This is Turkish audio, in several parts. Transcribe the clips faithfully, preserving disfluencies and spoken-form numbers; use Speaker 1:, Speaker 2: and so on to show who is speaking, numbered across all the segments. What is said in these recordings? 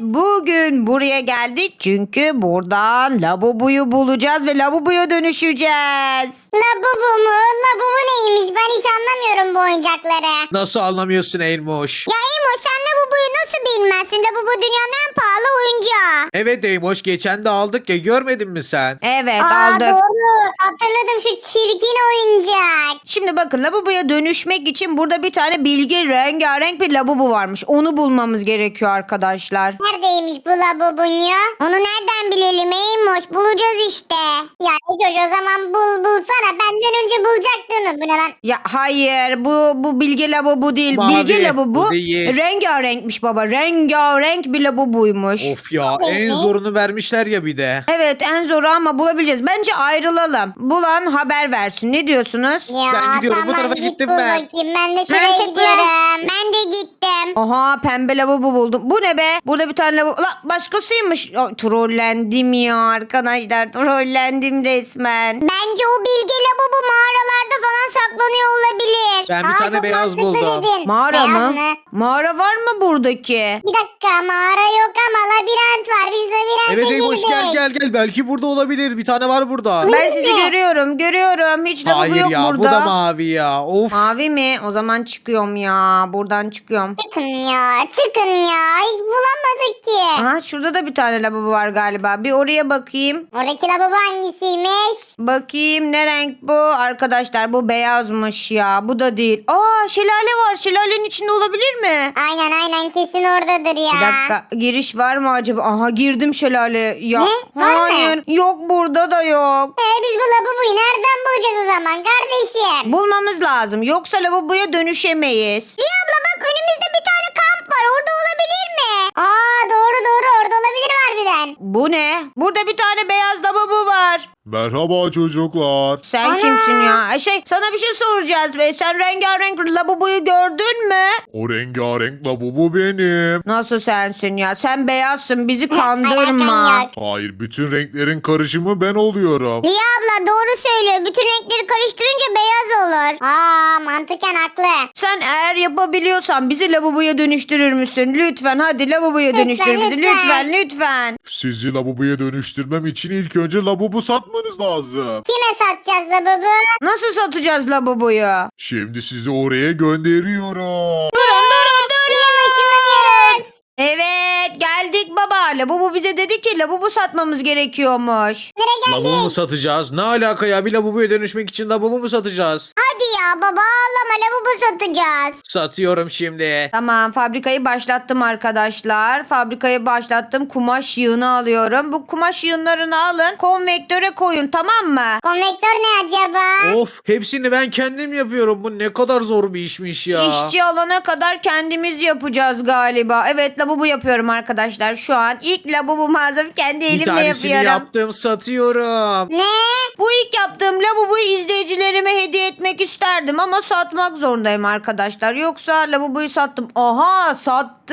Speaker 1: bugün buraya geldik çünkü buradan Labubu'yu bulacağız ve Labubu'ya dönüşeceğiz.
Speaker 2: Labubu mu? Labubu neymiş? Ben hiç anlamıyorum bu oyuncakları.
Speaker 3: Nasıl anlamıyorsun Eymoş?
Speaker 2: Ya Emo sen Labubu'yu nasıl bilmezsin? Labubu dünyanın en pahalı oyuncağı.
Speaker 3: Evet Eymoş, geçen de aldık ya, görmedin mi sen?
Speaker 1: Evet,
Speaker 2: Aa
Speaker 1: aldık.
Speaker 2: doğru. Hatırladım şu çirkin oyuncak.
Speaker 1: Şimdi bakın, Labubu'ya dönüşmek için burada bir tane bilgi rengarenk bir Labubu varmış. Onu bulmamız gerekiyor arkadaşlar.
Speaker 2: Neredeymiş bu Labubu'nyu? Onu nereden bilelim Eymoş? Bulacağız işte. Ya Ecoş o zaman bul bulsana. Benden önce bulacaktın. Bu ne lan?
Speaker 1: Ya hayır, bu bu bilgi Labubu değil.
Speaker 3: Mavi,
Speaker 1: bilgi Labubu
Speaker 3: bu değil.
Speaker 1: rengarenkmiş baba. Rengarenk bir Labubuymuş.
Speaker 3: Of ya,
Speaker 2: Evet.
Speaker 3: en zorunu vermişler ya bir de.
Speaker 1: Evet, en zoru ama bulabileceğiz. Bence ayrılalım. Bulan haber versin. Ne diyorsunuz?
Speaker 2: Ya
Speaker 3: Ben gidiyorum, bu
Speaker 2: tamam,
Speaker 3: tarafa
Speaker 2: git
Speaker 3: gittim
Speaker 2: bul
Speaker 3: ben.
Speaker 2: bakayım. Ben de şuraya
Speaker 1: Mantıklı.
Speaker 2: gidiyorum. Ben de gittim.
Speaker 1: Aha, pembe Labubu buldum. Bu ne be? Burada bir tane Labubu. La, başkasıymış. Ay, trollendim ya arkadaşlar. Trollendim resmen.
Speaker 2: Bence o bilge Labubu mağaralarda falan saklanıyor olabilir.
Speaker 3: Ben bir
Speaker 2: Aa,
Speaker 3: tane
Speaker 2: çok
Speaker 3: beyaz
Speaker 2: mantıklı
Speaker 3: buldum.
Speaker 2: dedin.
Speaker 1: Mağara
Speaker 2: Beyaz
Speaker 1: mı?
Speaker 2: mı?
Speaker 1: Mağara var mı buradaki?
Speaker 2: Bir dakika mağara yok ama labirent var. Biz labirente
Speaker 3: Evet
Speaker 2: girdik.
Speaker 3: Eymoş, gel gel gel, belki burada olabilir. Bir tane var burada.
Speaker 1: Ben
Speaker 2: Nerede?
Speaker 1: sizi görüyorum. Görüyorum. Hiç Labubu
Speaker 3: Hayır
Speaker 1: yok
Speaker 3: ya,
Speaker 1: burada.
Speaker 3: bu da mavi ya. Of.
Speaker 1: Mavi mi? O zaman çıkıyorum ya. Buradan çıkıyorum.
Speaker 2: Çıkın ya çıkın ya. Hiç bulamadık ki.
Speaker 1: Aha, şurada da bir tane Labubu var galiba. Bir oraya bakayım.
Speaker 2: Oradaki lavabo hangisiymiş?
Speaker 1: Bakayım, ne renk bu? Arkadaşlar bu beyazmış ya. Bu da değil. Aa, şelale var. Şelalenin içinde olabilir mi?
Speaker 2: Aynen aynen kesin oradadır ya.
Speaker 1: Bir dakika, giriş var mı acaba? Aha, girdim şelale. Ya,
Speaker 2: Ne? Var mı?
Speaker 1: hayır. Yok, burada da yok.
Speaker 2: Ee, biz bu lavaboyu nereden bulacağız o zaman kardeşim?
Speaker 1: Bulmamız lazım. Yoksa lavaboya dönüşemeyiz.
Speaker 2: Liya abla bak önümüzde bir tane kamp var. Orada olabilir mi? Aa doğru doğru orada olabilir harbiden.
Speaker 1: Bu ne? Burada bir tane beyaz lavabo var.
Speaker 4: Merhaba çocuklar.
Speaker 1: Sen
Speaker 2: Ana!
Speaker 1: kimsin ya? Ay, Şey, sana bir şey soracağız ve sen rengarenk lavaboyu gördün mü?
Speaker 4: O rengarenk labubu benim.
Speaker 1: Nasıl sensin ya? Sen beyazsın, bizi
Speaker 2: Alakan
Speaker 1: kandırma.
Speaker 2: yok.
Speaker 4: Hayır, bütün renklerin karışımı ben oluyorum.
Speaker 2: Liya abla doğru söylüyor. Bütün renkleri karıştırınca beyaz olur. Aa mantıken haklı.
Speaker 1: Sen eğer yapabiliyorsan bizi lavaboya dönüştürür müsün? Lütfen hadi lavaboya
Speaker 2: Lütfen,
Speaker 1: dönüştür bizi.
Speaker 2: lütfen.
Speaker 1: Lütfen lütfen.
Speaker 4: Sizi labubuya dönüştürmem için ilk önce labubu satmanız lazım.
Speaker 2: Kime satacağız lavabo?
Speaker 1: Nasıl satacağız lavaboyu?
Speaker 4: Şimdi sizi oraya gönderiyorum.
Speaker 1: Durun durun durun.
Speaker 2: Yine ışınlanıyoruz.
Speaker 1: Evet, geldik baba. Lavabo bize dedi ki lavabo satmamız gerekiyormuş.
Speaker 2: Nereye geldik?
Speaker 3: Labubu mu satacağız? Ne alaka ya? Bir labubuya dönüşmek için labubu mu satacağız?
Speaker 2: Hadi ya baba ağlama lavabo satacağız.
Speaker 3: Satıyorum şimdi.
Speaker 1: Tamam, fabrikayı başlattım arkadaşlar. Fabrikayı başlattım. Kumaş yığını alıyorum. Bu kumaş yığınlarını alın. Konvektöre koyun, tamam mı?
Speaker 2: Konvektör ne acaba?
Speaker 3: Of, hepsini ben kendim yapıyorum. Bu ne kadar zor bir işmiş ya.
Speaker 1: İşçi alana kadar kendimiz yapacağız galiba. Evet, lavabo yapıyorum arkadaşlar. Şu an ilk lavabo malzeme kendi
Speaker 3: Bir
Speaker 1: elimle
Speaker 3: tanesini
Speaker 1: yapıyorum.
Speaker 3: yaptım, satıyorum.
Speaker 2: Ne?
Speaker 1: Bu ilk yaptığım lavaboyu izleyicilerime hediye etmek isterdim ama satmak zorundayım arkadaşlar. Yoksa lavaboyu sattım. Aha, sattım.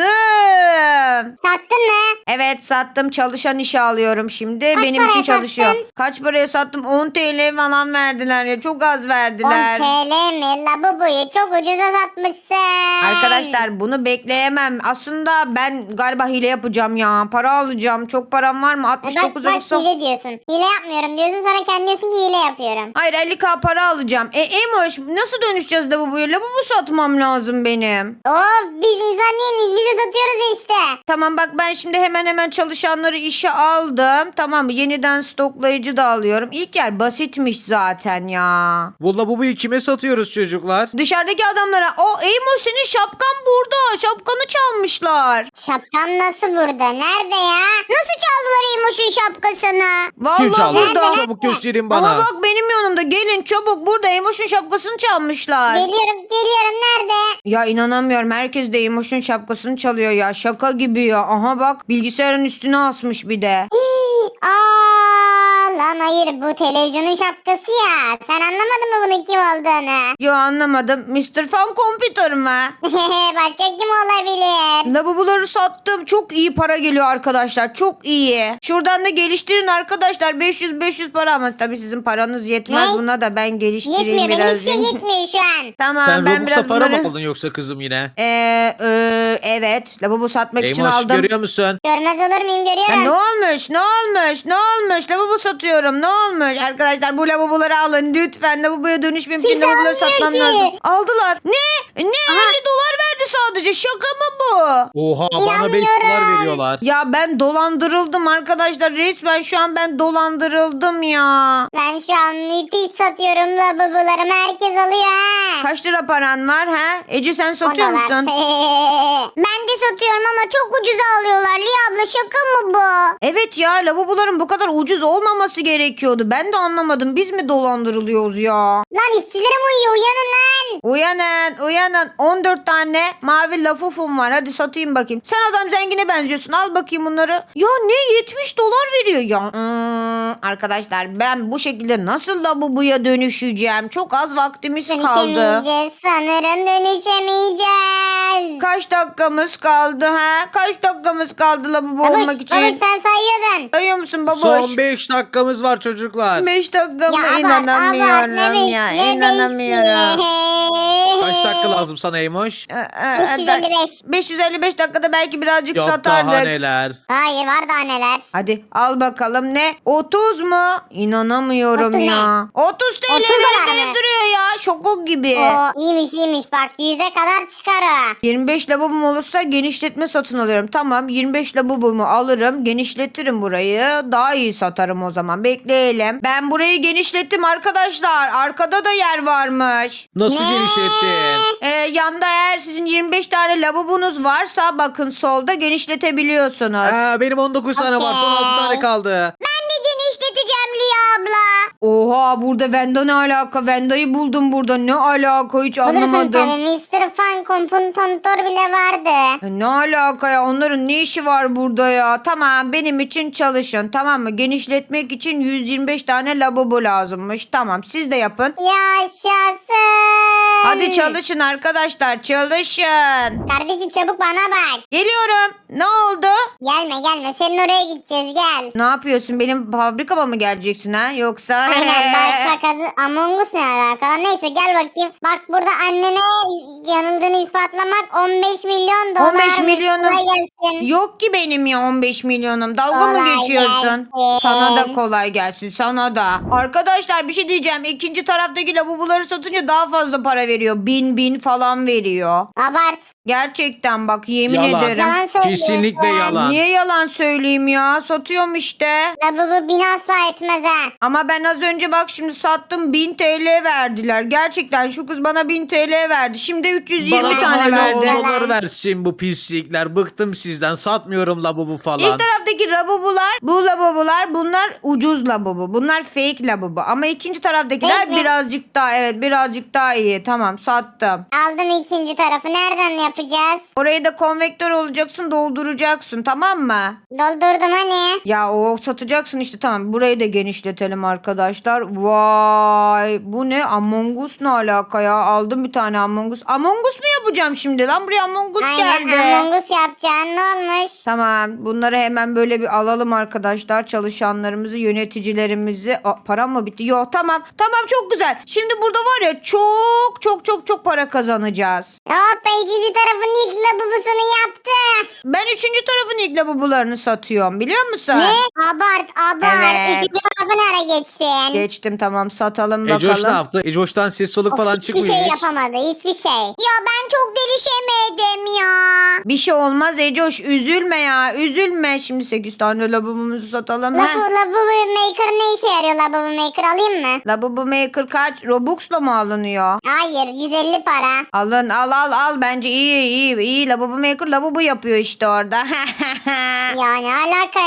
Speaker 2: Sattın mı?
Speaker 1: Evet, sattım. Çalışan işe alıyorum şimdi.
Speaker 2: Kaç
Speaker 1: Benim için
Speaker 2: paraya
Speaker 1: çalışıyor.
Speaker 2: sattın?
Speaker 1: Kaç paraya sattım? on TL falan verdiler ya. Çok az verdiler.
Speaker 2: on TL mi? Lavaboyu çok ucuza satmışsın.
Speaker 1: Arkadaşlar, bunu bekleyemem. Aslında ben galiba hile yapacağım ya. Para alacağım. Çok param var mı?
Speaker 2: E
Speaker 1: altmış
Speaker 2: Bak
Speaker 1: dokuz
Speaker 2: bak
Speaker 1: doksan.
Speaker 2: hile diyorsun. Hile yapmıyorum diyorsun sonra kendi diyorsun ki hile yapıyorum.
Speaker 1: Hayır, elli bin para alacağım. E Emoş, nasıl dönüşeceğiz lavaboya? Lavabo satmam lazım benim.
Speaker 2: Of biz insan değil miyiz? Biz de satıyoruz işte.
Speaker 1: Tamam bak, ben şimdi hemen hemen çalışanları işe aldım. Tamam, yeniden stoklayıcı da alıyorum. İlk yer basitmiş zaten ya.
Speaker 3: Bu labubuyu kime satıyoruz çocuklar?
Speaker 1: Dışarıdaki adamlara, o Emoş senin şapkan burada. Şapkanı çalmışlar.
Speaker 2: Şapkam nasıl burada? Nerede ya? Nasıl çaldılar İmoş'un şapkasını?
Speaker 1: Vallahi
Speaker 3: Kim çaldı?
Speaker 1: burada.
Speaker 3: Çabuk gösterin bana.
Speaker 1: Ama bak benim yanımda, gelin çabuk, burada Emoş'un şapkasını çalmışlar.
Speaker 2: Geliyorum geliyorum nerede?
Speaker 1: Ya inanamıyorum, herkes de Emoş'un şapkasını çalıyor ya, şaka gibi ya. Aha bak, bilgisayarın üstüne asmış bir de.
Speaker 2: Aa Lan hayır, bu televizyonun şapkası ya. Sen anlamadın mı bunun kim olduğunu?
Speaker 1: Yo anlamadım. mister Fan Computer mı?
Speaker 2: Başka kim olabilir?
Speaker 1: Lavaboları sattım. Çok iyi para geliyor arkadaşlar. Çok iyi. Şuradan da geliştirin arkadaşlar. beş yüz beş yüz para ama tabii sizin paranız yetmez
Speaker 2: Ne?
Speaker 1: buna da ben geliştireyim
Speaker 2: Yetmiyor, benim
Speaker 1: biraz.
Speaker 2: hiçbir şey yetmiyor şu an.
Speaker 1: Tamam
Speaker 3: Sen
Speaker 1: ben
Speaker 3: Robux'a
Speaker 1: biraz
Speaker 3: para
Speaker 1: bunları...
Speaker 3: mı aldın yoksa kızım yine?
Speaker 1: Ee, e, evet. Lavabo satmak için
Speaker 3: Eymoş
Speaker 1: aldım.
Speaker 3: görüyor musun?
Speaker 2: Görmez olur muyum,
Speaker 1: Ya
Speaker 2: görüyorum.
Speaker 1: ne olmuş? Ne olmuş? Ne olmuş? Lavabo satıyorum. Ne olmuş? Arkadaşlar bu lavaboları alın lütfen. Lavaboya dönüşmem için
Speaker 2: Kimse
Speaker 1: lavaboları
Speaker 2: almıyor
Speaker 1: satmam
Speaker 2: ki.
Speaker 1: lazım. Aldılar. Ne? Ne? elli dolar verdi sadece. Şaka mı bu?
Speaker 3: Oha bana beş dolar veriyorlar.
Speaker 1: Ya ben dolandırıldım arkadaşlar. Resmen şu an ben dolandırıldım ya.
Speaker 2: Ben şu an müthiş satıyorum lavabolarımı, herkes alıyor ha.
Speaker 1: Kaç lira paran var ha? Ece sen satıyor
Speaker 2: On dolar.
Speaker 1: musun?
Speaker 2: Ben de satıyorum ama çok ucuza alıyorlar. Liya abla, şaka mı bu?
Speaker 1: Evet ya lavaboların bu kadar ucuz olmaması gerekiyordu. Ben de anlamadım. Biz mi dolandırılıyoruz ya?
Speaker 2: Lan işçilerim uyuyor, uyanın lan.
Speaker 1: Uyanın uyanın. on dört tane mavi lafufum var. Hadi satayım bakayım. Sen adam zengine benziyorsun. Al bakayım bunları. Ya ne yetmiş dolar veriyor ya. Hmm, arkadaşlar ben bu şekilde nasıl lavaboya dönüşeceğim? Çok az vaktimiz kaldı.
Speaker 2: Dönüşemeyeceğiz sanırım, dönüşemeyeceğiz.
Speaker 1: Kaç dakikamız kaldı ha? Kaç dakikamız kaldı lavabo
Speaker 2: Babuş,
Speaker 1: olmak için?
Speaker 2: babuş sen sayıyordun.
Speaker 1: Sayıyor musun babuş?
Speaker 3: Son beş dakikamız var çocuklar.
Speaker 1: beş dakika mı?
Speaker 2: Ya abart,
Speaker 1: İnanamıyorum
Speaker 2: abart, ne beş-
Speaker 1: ya.
Speaker 2: ne
Speaker 1: İnanamıyorum.
Speaker 2: beşi?
Speaker 3: Kaç dakika lazım sana Eymoş?
Speaker 1: Ee, e,
Speaker 2: beş yüz elli beş.
Speaker 1: beş yüz elli beş dakikada belki birazcık
Speaker 3: Yok
Speaker 1: satardık.
Speaker 3: daha neler.
Speaker 2: Hayır, var daha neler.
Speaker 1: Hadi al bakalım ne? otuz mu? İnanamıyorum
Speaker 2: otuz ne?
Speaker 1: ya. otuz T L
Speaker 2: otuz
Speaker 1: verip
Speaker 2: dolar
Speaker 1: verip
Speaker 2: mı?
Speaker 1: duruyor ya. Şokok gibi.
Speaker 2: Oo, iyiymiş iyiymiş, bak yüze kadar çıkar o.
Speaker 1: yirmi beş lavabom olursa genişletme satın alıyorum. Tamam yirmi beş lavabomu alırım. Genişletirim burayı. Daha iyi satarım o zaman. Bekleyelim. Ben burayı genişlettim arkadaşlar. Arkada da yer varmış.
Speaker 3: Nasıl
Speaker 2: Ne?
Speaker 3: genişlettin?
Speaker 1: Ee, yanda eğer sizin yirmi beş tane lavabonuz varsa bakın solda genişletebiliyorsunuz.
Speaker 3: Aa, benim on dokuz tane var. Son altı tane kaldı.
Speaker 2: Ben de genişleteceğim Liya abla.
Speaker 1: Oha burada Venda ne alaka? Venda'yı buldum burada. Ne alaka hiç
Speaker 2: Bulursun
Speaker 1: anlamadım.
Speaker 2: tabii, mister Fan Kompuntontor bile vardı.
Speaker 1: E, Ne alaka ya? Onların ne işi var burada ya? Tamam benim için çalışın tamam mı? Genişletmek için yüz yirmi beş tane lavabo lazımmış. Tamam siz de yapın.
Speaker 2: Yaşasın.
Speaker 1: Hadi çalışın arkadaşlar çalışın.
Speaker 2: Kardeşim çabuk bana bak.
Speaker 1: Geliyorum. Ne oldu?
Speaker 2: Gelme gelme, senin oraya gideceğiz, gel.
Speaker 1: Ne yapıyorsun? Benim fabrikama mı geleceksin ha? Yoksa...
Speaker 2: Aynen, bak bak adı Among Us ne alakalı? Neyse gel bakayım. Bak burada annene yanıldığını ispatlamak on beş milyon dolar.
Speaker 1: on beş milyonum.
Speaker 2: Kolay gelsin.
Speaker 1: Yok ki benim ya on beş milyonum. Dalga mı
Speaker 2: Kolay
Speaker 1: geçiyorsun?
Speaker 2: gelsin.
Speaker 1: Sana da kolay gelsin. Sana da. Arkadaşlar bir şey diyeceğim. İkinci taraftaki lavaboları satınca daha fazla para veriyor. Bin bin falan veriyor.
Speaker 2: Abart.
Speaker 1: Gerçekten bak yemin
Speaker 3: Yalan.
Speaker 1: ederim.
Speaker 2: Yalan söylüyorsun.
Speaker 3: Kesinlikle yalan.
Speaker 1: Niye yalan söyleyeyim ya? Satıyorum işte.
Speaker 2: Lavabo bin asla etmez ha.
Speaker 1: Ama ben az önce bak şimdi sattım bin T L verdiler. Gerçekten şu kız bana bin T L verdi. Şimdi üç yüz yirmi
Speaker 3: Bana
Speaker 1: tane
Speaker 3: hala
Speaker 1: verdi.
Speaker 3: onları versin bu pislikler. Bıktım sizden. Satmıyorum lavabo falan.
Speaker 1: İlk taraftaki lavabolar, bu lavabolar bunlar ucuz lavabo. Bunlar fake lavabo. Ama ikinci taraftakiler
Speaker 2: Fake mi?
Speaker 1: birazcık daha evet birazcık daha iyi. Tamam sattım.
Speaker 2: Aldım ikinci tarafı. Nereden yapacağız?
Speaker 1: Orayı da konvektör olacaksın dolduracaksın tamam mı?
Speaker 2: Doldurdum hani.
Speaker 1: Ya o satacaksın işte tamam. Burayı da genişletelim arkadaşlar. Vay bu ne? Among Us ne alaka ya? Aldım bir tane Among Us. Among Us mu yapacağım şimdi lan? Buraya Among Us
Speaker 2: Aynen,
Speaker 1: geldi.
Speaker 2: Among Us yapacaksın. Ne olmuş?
Speaker 1: Tamam bunları hemen böyle bir alalım arkadaşlar. Çalışanlarımızı, yöneticilerimizi. Aa, param mı bitti? Yok tamam. Tamam çok güzel. Şimdi burada var ya çok çok çok çok para kazanacağız.
Speaker 2: Hoppa, ikinci tarafın ilk lavabosunu yaptı.
Speaker 1: Ben üçüncü tarafın ilk lavabolarını satıyorum biliyor musun?
Speaker 2: Ne? Abart abart.
Speaker 1: Evet.
Speaker 2: Üçüncü tarafı nereye geçtin?
Speaker 1: Geçtim tamam satalım bakalım.
Speaker 3: Ecoş ne yaptı? Ecoş'tan ses soluk
Speaker 2: Of,
Speaker 3: falan
Speaker 2: hiçbir
Speaker 3: çıkmıyor
Speaker 2: şey
Speaker 3: hiç.
Speaker 2: yapamadı, hiçbir şey. Ya ben çok delişemedim ya.
Speaker 1: Bir şey olmaz Ecoş üzülme ya üzülme. Şimdi sekiz tane lavabomuzu satalım.
Speaker 2: Lavabo,
Speaker 1: He.
Speaker 2: lavabo maker ne işe yarıyor, lavabo maker alayım mı?
Speaker 1: Lavabo maker kaç? Robux'la mı alınıyor?
Speaker 2: Hayır, yüz elli para.
Speaker 1: Alın al al al bence iyi iyi iyi. Lavabo maker lavabo yapıyor işte orada.
Speaker 2: Ya ne alaka ya?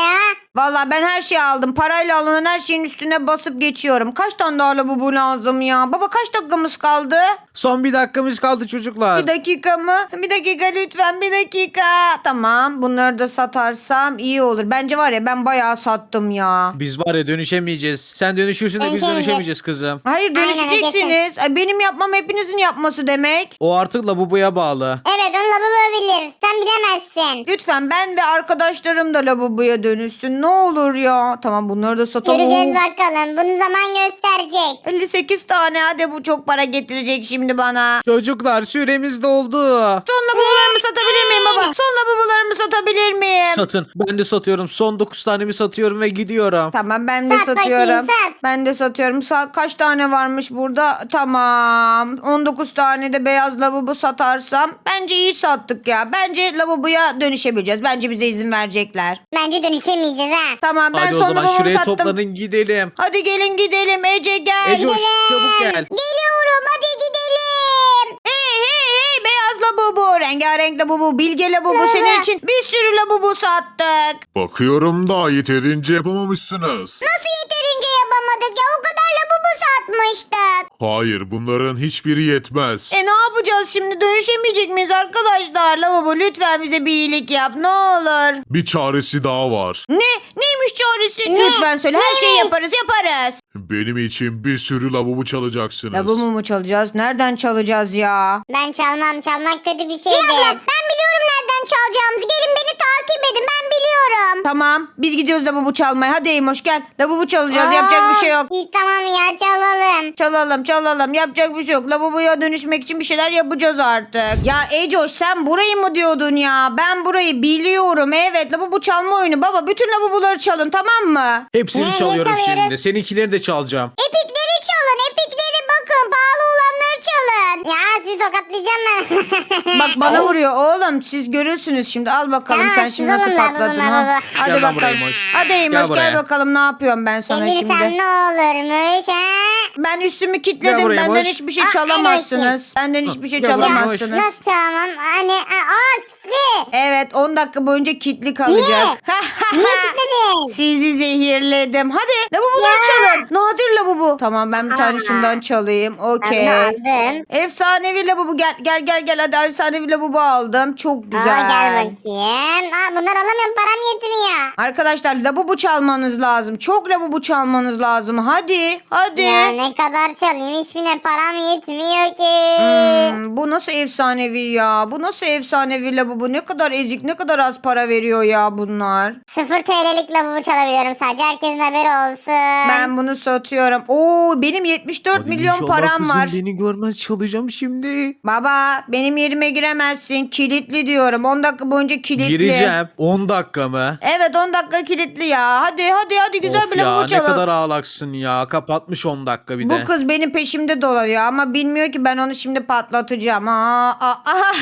Speaker 1: Vallahi ben her şeyi aldım. Parayla alınan her şeyin üstüne basıp geçiyorum. Kaç tane daha lavabo lazım ya? Baba kaç dakikamız kaldı?
Speaker 3: Son bir dakikamız kaldı çocuklar.
Speaker 1: Bir dakika mı? Bir dakika lütfen bir dakika. Tamam bunları da satarsam iyi olur. Bence var ya ben bayağı sattım ya.
Speaker 3: Biz var ya dönüşemeyeceğiz. Sen dönüşürsün de biz
Speaker 2: Dönüşemeyeceğiz.
Speaker 3: dönüşemeyeceğiz kızım.
Speaker 1: Hayır
Speaker 2: Aynen,
Speaker 1: dönüşeceksiniz. Ay, benim yapmam hepinizin yapması demek.
Speaker 3: O artık lavaboya bağlı.
Speaker 2: Evet onu lavabo bilir. Sen bilemezsin.
Speaker 1: Lütfen ben ve arkadaşlarım da lavaboya dönüşsün. Ne olur ya. Tamam bunları da satalım.
Speaker 2: Göreceğiz bakalım. Bunu zaman gösterecek.
Speaker 1: elli sekiz tane hadi bu çok para getirecek şimdi bana.
Speaker 3: Çocuklar süremiz doldu.
Speaker 1: Son lavabolarımı satabilir miyim baba? Son lavabolarımı satabilir miyim?
Speaker 3: Satın. Ben de satıyorum. Son dokuz tanemi satıyorum ve gidiyorum.
Speaker 1: Tamam ben de
Speaker 2: Sat bakayım,
Speaker 1: satıyorum.
Speaker 2: sat.
Speaker 1: Ben de satıyorum. Sa- kaç tane varmış burada? Tamam. on dokuz tane de beyaz lavabo satarsam bence iyi sattık ya. Bence lavaboya dönüşebileceğiz. Bence bize izin verecekler.
Speaker 2: Bence dönüşemeyeceğiz ha.
Speaker 1: Tamam ben
Speaker 3: Hadi o
Speaker 1: son
Speaker 3: zaman
Speaker 1: lavabomu
Speaker 3: şuraya
Speaker 1: sattım.
Speaker 3: toplanın gidelim.
Speaker 1: Hadi gelin gidelim Ece gel.
Speaker 3: Ecoş çabuk gel.
Speaker 2: Geliyorum hadi gidelim.
Speaker 1: Hey hey hey beyaz lavabo, rengarenk lavabo, bilge lavabo senin için bir sürü lavabo sattık.
Speaker 4: Bakıyorum da yeterince yapamamışsınız.
Speaker 2: Nasıl yeterince yapamadık ya? O kadar lavabo satmıştık.
Speaker 4: Hayır, bunların hiçbiri yetmez.
Speaker 1: E ne yapacağız şimdi dönüşemeyecek miyiz arkadaşlar? Lavabo lütfen bize bir iyilik yap ne olur.
Speaker 4: Bir çaresi daha var.
Speaker 1: Ne? Neymiş çaresi?
Speaker 2: Ne?
Speaker 1: Lütfen söyle her şeyi
Speaker 2: Neymiş?
Speaker 1: yaparız yaparız.
Speaker 4: Benim için bir sürü lavabo çalacaksınız.
Speaker 1: Lavabo mu çalacağız? Nereden çalacağız ya?
Speaker 2: Ben çalmam. Çalmak kötü bir şeydir. ben biliyorum nereden çalacağımızı. Gelin beni takip edin. Ben biliyorum.
Speaker 1: Tamam biz gidiyoruz lavabo çalmaya. Hadi Eymoş gel. Lavabo çalacağız yapacak bir şey yok.
Speaker 2: İyi tamam ya çalalım.
Speaker 1: Çalalım çalalım yapacak bir şey yok. Lavaboya dönüşmek için bir şeyler yapacağız artık. Ya Ecoş sen burayı mı diyordun ya? Ben burayı biliyorum evet. Lavabo çalma oyunu baba. Bütün lavaboları çalın tamam mı?
Speaker 3: Hepsini
Speaker 2: Ne, ne
Speaker 3: çalıyorum
Speaker 2: çalıyoruz?
Speaker 3: şimdi. Seninkileri de çalacağım.
Speaker 2: Epikleri çalın. Epikleri bakın. Pahalı olanları çalın. Ya sizi tokatlayacağım ben.
Speaker 1: Bak bana vuruyor oğlum. Siz görürsünüz şimdi. Al bakalım
Speaker 2: Ya,
Speaker 1: sen
Speaker 2: siz
Speaker 1: şimdi nasıl
Speaker 2: alın lavabo,
Speaker 1: patladın ha.
Speaker 2: lavabo.
Speaker 1: Hadi
Speaker 3: Gel lan buraya
Speaker 1: bakalım.
Speaker 3: Eymoş.
Speaker 1: Hadi Eymoş
Speaker 3: Gel
Speaker 1: gel,
Speaker 3: buraya.
Speaker 1: bakalım ne yapıyorum ben sana
Speaker 2: Gelirsen
Speaker 1: şimdi.
Speaker 2: ne olurmuş ha?
Speaker 1: Ben üstümü
Speaker 3: Gel
Speaker 1: kilitledim.
Speaker 3: buraya
Speaker 1: Benden
Speaker 3: Eymoş.
Speaker 1: hiçbir şey
Speaker 2: Aa,
Speaker 1: çalamazsınız. Benden hiçbir şey
Speaker 3: Gel buraya Eymoş.
Speaker 1: çalamazsınız.
Speaker 2: Nasıl çalamam? Hani aa, aa kilitli.
Speaker 1: Evet on dakika boyunca kilitli kalacak.
Speaker 2: Niye kilitledin?
Speaker 1: Sizi zehirledim. Hadi lavaboları
Speaker 2: Ya.
Speaker 1: çalın. Nadir lavabo. Tamam ben bir tane
Speaker 2: Aa.
Speaker 1: şundan çalayım.
Speaker 2: Ben
Speaker 1: Okey.
Speaker 2: de aldım.
Speaker 1: Efsanevi lavabo gel gel gel gel hadi efsanevi lavabo aldım. Çok güzel.
Speaker 2: Aa, gel bakayım. Aa, bunlar alamıyorum. Param yetmiyor.
Speaker 1: Arkadaşlar lavabo çalmanız lazım. Çok lavabo çalmanız lazım. Hadi hadi.
Speaker 2: Ya ne kadar çalayım? Hiçbirine param yetmiyor ki.
Speaker 1: Hmm, bu nasıl efsanevi ya? Bu nasıl efsanevi lavabo? Ne kadar ezik, ne kadar az para veriyor ya bunlar.
Speaker 2: Sıfır T L'lik lavabo çalabiliyorum sadece. Herkesin haberi olsun.
Speaker 1: Ben bunu satıyorum. Oo benim yetmiş dört
Speaker 3: Hadi
Speaker 1: milyon
Speaker 3: inşallah
Speaker 1: param
Speaker 3: kızım
Speaker 1: var.
Speaker 3: beni görmez çalacağım şimdi.
Speaker 1: Baba benim yerime giremezsin. Kilitli diyorum. on dakika boyunca kilitli.
Speaker 3: Gireceğim. on dakika mı?
Speaker 1: Evet on dakika kilitli ya. Hadi hadi hadi güzel
Speaker 3: Of
Speaker 1: bir
Speaker 3: ya
Speaker 1: lavabo
Speaker 3: ne
Speaker 1: çalalım.
Speaker 3: kadar ağlaksın ya. Kapatmış on dakika bir de.
Speaker 1: Bu kız benim peşimde dolanıyor ama bilmiyor ki ben onu şimdi patlatacağım. Aa, aa,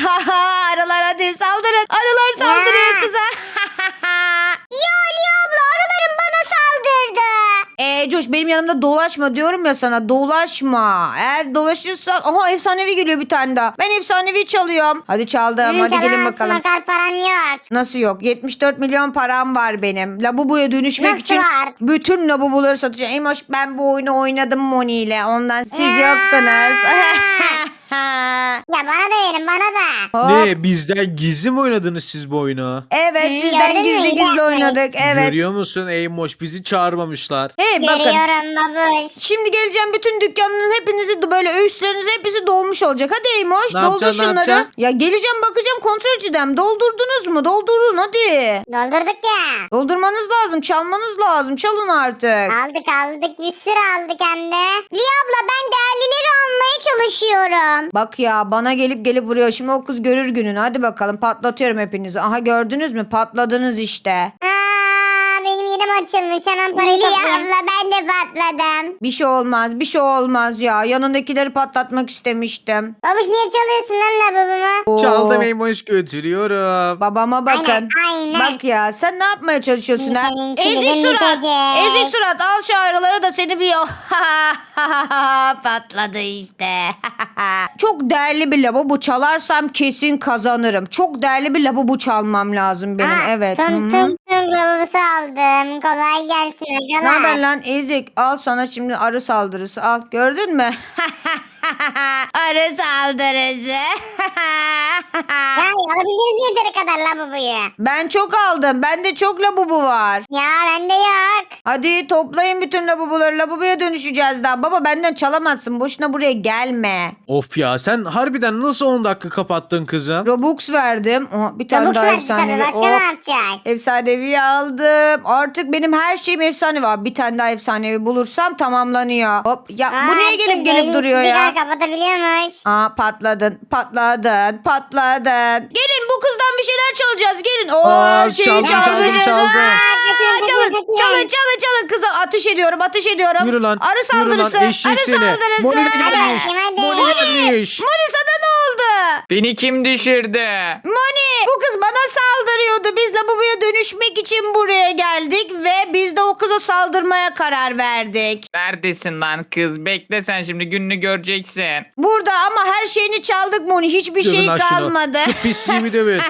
Speaker 1: aa, arılar hadi saldırın. Arılar saldırıyor
Speaker 2: Ya.
Speaker 1: kıza.
Speaker 2: Ya Ali abla arılarım bana saldırdı.
Speaker 1: Eee Coş benim yanımda dolaşma diyorum ya sana dolaşma. Eğer dolaşırsan aha efsanevi geliyor bir tane daha. Ben efsanevi çalıyorum. Hadi çaldım
Speaker 2: Hı,
Speaker 1: hadi gelin
Speaker 2: çalamazsın,
Speaker 1: bakalım.
Speaker 2: o kadar paran yok.
Speaker 1: Nasıl yok? yetmiş dört milyon param var benim. Labubu'ya dönüşmek
Speaker 2: Nasıl
Speaker 1: için
Speaker 2: var?
Speaker 1: bütün labubuları satacağım. Eymoş ben bu oyunu oynadım Moni ile. Ondan siz
Speaker 2: Ya.
Speaker 1: yoktunuz.
Speaker 2: Ya bana da verin bana da.
Speaker 1: Hop.
Speaker 3: Ne bizden gizli mi oynadınız siz bu oyunu?
Speaker 1: Evet
Speaker 2: Hı,
Speaker 1: sizden
Speaker 2: gördün mü?
Speaker 1: gizli
Speaker 2: İyi
Speaker 1: gizli
Speaker 2: yapmayın.
Speaker 1: oynadık. Evet.
Speaker 3: Görüyor musun Eymoş bizi çağırmamışlar.
Speaker 1: Hey bakın.
Speaker 2: Görüyorum babuş.
Speaker 1: Şimdi geleceğim bütün dükkanın hepinizi de böyle öğüsleriniz hepsi dolmuş olacak. Hadi Eymoş
Speaker 3: Ne
Speaker 1: doldur
Speaker 3: yapacaksın, ne
Speaker 1: şunları.
Speaker 3: yapacaksın?
Speaker 1: Ya geleceğim bakacağım kontrol edeceğim. Doldurdunuz mu? Doldurun hadi.
Speaker 2: Doldurduk ya.
Speaker 1: Doldurmanız lazım. Çalmanız lazım. Çalın artık.
Speaker 2: Aldık aldık bir sürü aldık hem de. Liya abla ben değerlileri almaya çalışıyorum.
Speaker 1: Bak ya bana gelip gelip vuruyor. Şimdi o kız görür gününü. Hadi bakalım patlatıyorum hepinizi. Aha gördünüz mü? Patladınız işte.
Speaker 2: Aa, benim yerim açılmış hemen parayı
Speaker 1: Liya
Speaker 2: toplayayım. abla ben de patladım.
Speaker 1: Bir şey olmaz. Bir şey olmaz ya. Yanındakileri patlatmak istemiştim.
Speaker 2: Babuş niye çalıyorsun lan lavabomu?
Speaker 1: Oo.
Speaker 3: Çaldım Eymoş götürüyorum.
Speaker 1: Babama bakın.
Speaker 2: Aynen, aynen.
Speaker 1: Bak ya sen ne yapmaya çalışıyorsun ha?
Speaker 2: Senin
Speaker 1: Ezik
Speaker 2: kilidin
Speaker 1: surat.
Speaker 2: bitecek.
Speaker 1: Ezik surat al şu ayrıları da seni bir patladı işte. Çok değerli bir lavabo çalarsam kesin kazanırım. Çok değerli bir lavabo çalmam lazım benim.
Speaker 2: Aa,
Speaker 1: evet.
Speaker 2: Tung
Speaker 1: Hı hı.
Speaker 2: tung tung lavabosu aldım. bakalım. Kolay gelsin
Speaker 1: Ne
Speaker 2: arkadaşlar.
Speaker 1: haber lan ezik? Al sana şimdi arı saldırısı al. Gördün mü? Arı saldırısı.
Speaker 2: Ya alabildiniz yeteri kadar lavaboyu.
Speaker 1: Ben çok aldım. Bende çok labubu var.
Speaker 2: Ya bende yok.
Speaker 1: Hadi toplayın bütün labubuları. Labubuya dönüşeceğiz daha. Baba benden çalamazsın. Boşuna buraya gelme.
Speaker 3: Of ya sen harbiden nasıl on dakika kapattın kızım?
Speaker 1: Robux verdim. Oha, bir tane
Speaker 2: Çabuk
Speaker 1: daha
Speaker 2: verdi tabii.
Speaker 1: efsanevi.
Speaker 2: Başka
Speaker 1: Oh,
Speaker 2: ne yapacak?
Speaker 1: efsanevi aldım. Artık benim her şeyim efsanevi. Aa, bir tane daha efsanevi bulursam tamamlanıyor. Hop ya bu
Speaker 2: Aa,
Speaker 1: niye gelip
Speaker 2: siz
Speaker 1: gelip
Speaker 2: elini
Speaker 1: duruyor ya?
Speaker 2: sigara kapatabiliyormuş.
Speaker 1: Aa patladın, patladın, patladın. Gelin bu kızdan bir şeyler çalacağız. Gelin. Oo
Speaker 3: Aa,
Speaker 1: her şeyi
Speaker 3: çaldım, çaldım,
Speaker 1: çalmışız.
Speaker 3: çaldım.
Speaker 1: Aa,
Speaker 2: Kaçın, kaçın,
Speaker 1: çalın,
Speaker 2: kaçın.
Speaker 1: çalın, çalın, çalın kıza. Ateş ediyorum, ateş ediyorum.
Speaker 3: Yürü lan.
Speaker 1: Arı
Speaker 3: Yürü lan
Speaker 1: saldırısı.
Speaker 3: eşek
Speaker 1: Arı
Speaker 3: seni.
Speaker 1: saldırısı.
Speaker 3: Moni de gelmiş.
Speaker 2: Hadi, hadi.
Speaker 3: Moni gelmiş.
Speaker 1: Moni sana ne oldu?
Speaker 5: Beni kim düşürdü?
Speaker 1: Moni bu kız bana saldırıyordu. Biz lavaboya dönüşmek için buraya geldik ve biz de o kıza saldırmaya karar verdik.
Speaker 5: Neredesin lan kız? Bekle sen şimdi gününü göreceksin.
Speaker 1: Burada ama her şeyini çaldık Moni. Hiçbir
Speaker 3: Dövün
Speaker 1: şey
Speaker 3: lan şunu.
Speaker 1: kalmadı.
Speaker 3: Şu pisliğimi dövün.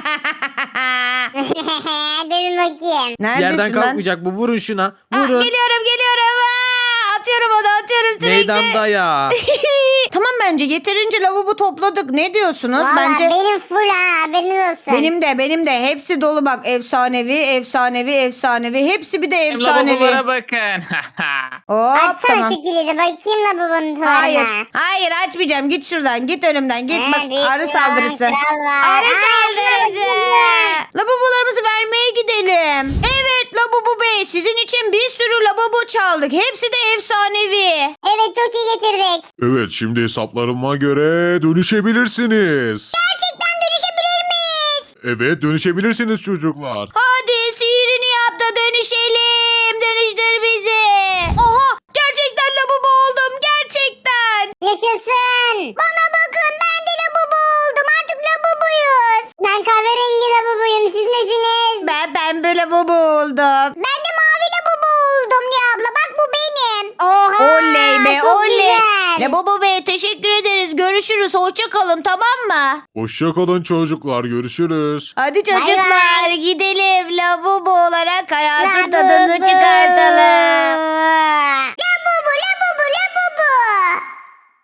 Speaker 2: Dövün bakayım.
Speaker 1: Neredesin
Speaker 3: Yerden
Speaker 1: lan?
Speaker 3: kalkmayacak bu. Vurun şuna.
Speaker 1: Aa,
Speaker 3: Vurun.
Speaker 1: geliyorum geliyorum. Aa, atıyorum onu atıyorum sürekli.
Speaker 3: Meydanda ya.
Speaker 1: Tamam bence yeterince lavabo topladık. Ne diyorsunuz?
Speaker 2: Valla
Speaker 1: Bence
Speaker 2: benim full ha haberiniz olsun.
Speaker 1: benim de benim de hepsi dolu bak. Efsanevi, efsanevi, efsanevi. Hepsi bir de
Speaker 5: Benim
Speaker 1: efsanevi.
Speaker 5: lavabolara bakın.
Speaker 1: Hop
Speaker 2: Açsana
Speaker 1: tamam.
Speaker 2: şu kilidi bakayım lavabonun tuvarına.
Speaker 1: Hayır. Hayır açmayacağım. Git şuradan. Git önümden. Git
Speaker 2: He,
Speaker 1: bak
Speaker 2: büyük
Speaker 1: arı
Speaker 2: bir
Speaker 1: saldırısı.
Speaker 2: kral var.
Speaker 1: Arı
Speaker 2: Ay,
Speaker 1: saldırısı.
Speaker 2: ay,
Speaker 1: Lavabolarımızı vermeye gidelim. Evet Lavabo Bey sizin için bir sürü lavabo çaldık. Hepsi de efsanevi.
Speaker 2: Evet çok iyi getirdik.
Speaker 4: Evet şimdi hesaplarıma göre dönüşebilirsiniz.
Speaker 2: Gerçekten dönüşebilir miyiz?
Speaker 4: Evet dönüşebilirsiniz çocuklar.
Speaker 1: Hadi sihirini yap da dönüşelim. Dönüştür bizi. Oha gerçekten lavabo oldum. Gerçekten.
Speaker 2: Yaşasın. Bana bakın ben de lavabo oldum. Artık lavabuyuz. Ben kahverengi lavabuyum. Siz nesiniz?
Speaker 1: Ben pembe lavabo oldum.
Speaker 2: Ben de mavi lavabo oldum ya abla. Bak bu benim. Oha.
Speaker 1: Oley be
Speaker 2: çok
Speaker 1: oley.
Speaker 2: güzel.
Speaker 1: Lavabo Bey teşekkür ederiz. Görüşürüz. Hoşça kalın tamam mı?
Speaker 4: Hoşçakalın çocuklar görüşürüz.
Speaker 1: Hadi
Speaker 2: Bay
Speaker 1: çocuklar
Speaker 2: bay.
Speaker 1: gidelim. Lavabo olarak hayatın
Speaker 2: Lavabo.
Speaker 1: tadını çıkartalım.
Speaker 2: Lavabo lavabo lavabo.